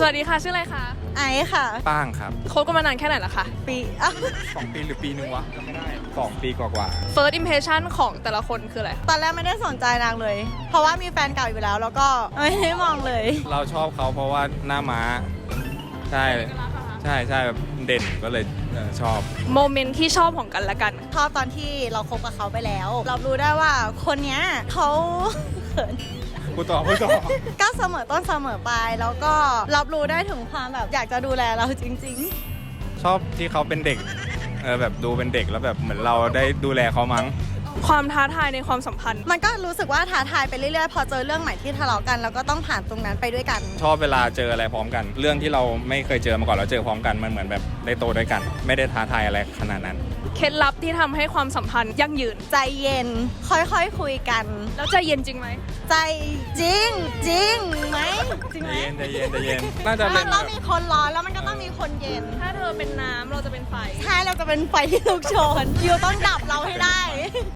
วัสดีค่ะชื่ออะไรคะไอซ์ค่ะป้างครับคบกันมานานแค่ไหนละคะปี 2 ปีหรือปีนึงวะจำไม่ได้2 ปีกว่า First impression ของแต่ละคนคืออะไรตอนแรกไม่ได้สนใจนางเลย เพราะว่ามีแฟนเก่าอยู่แล้วแล้วก็ไม่ได้มองเลยเราชอบเขาเพราะว่าหน้าม้าใช่ใช่แบบเด่นก็เลยชอบโมเมนต์ที่ชอบของกันและกันชอบตอนที่เราคบกับเขาไปแล้ว เรารู้ได้ว่าคนเนี้ยเขาเขินพูดต่อก็เสมอต้นเสมอปลายแล้วก็รับรู้ได้ถึงความแบบอยากจะดูแลเราจริงชอบที่เขาเป็นเด็กแบบดูเป็นเด็กแล้วแบบเหมือนเราได้ดูแลเขามั้งความท้าทายในความสัมพันธ์ๆ มันก็รู้สึกว่าท้าทายไปเรื่อยๆ พอเจอเรื่องใหม่ที่ทะเลาะกันเราก็ต้องผ่านตรงนั้นไปด้วยกันชอบเวลาเจออะไรพร้อมกัน เรื่องที่เราไม่เคยเจอมาก่อนเราเจอพร้อมกันมันเหมือนแบบได้โตด้วยกัน ไม่ได้ท้าทายอะไรขนาดนั้นเคล็ดลับที่ทำให้ความสัมพันธ์ยั่งยืนใจเย็นค่อยๆคุยกันแล้วใจเย็นจริงไหมใจจริงไหมจริงไหมใจเย็นน่าจะเป็นเรามีคนร้อนแล้วมันก็ต้องมีคนเย็นถ้าเธอเป็นน้ำเราจะเป็นไฟใช่เราจะเป็นไฟที่ลุกโชนอยู่ต้องดับเราให้ได้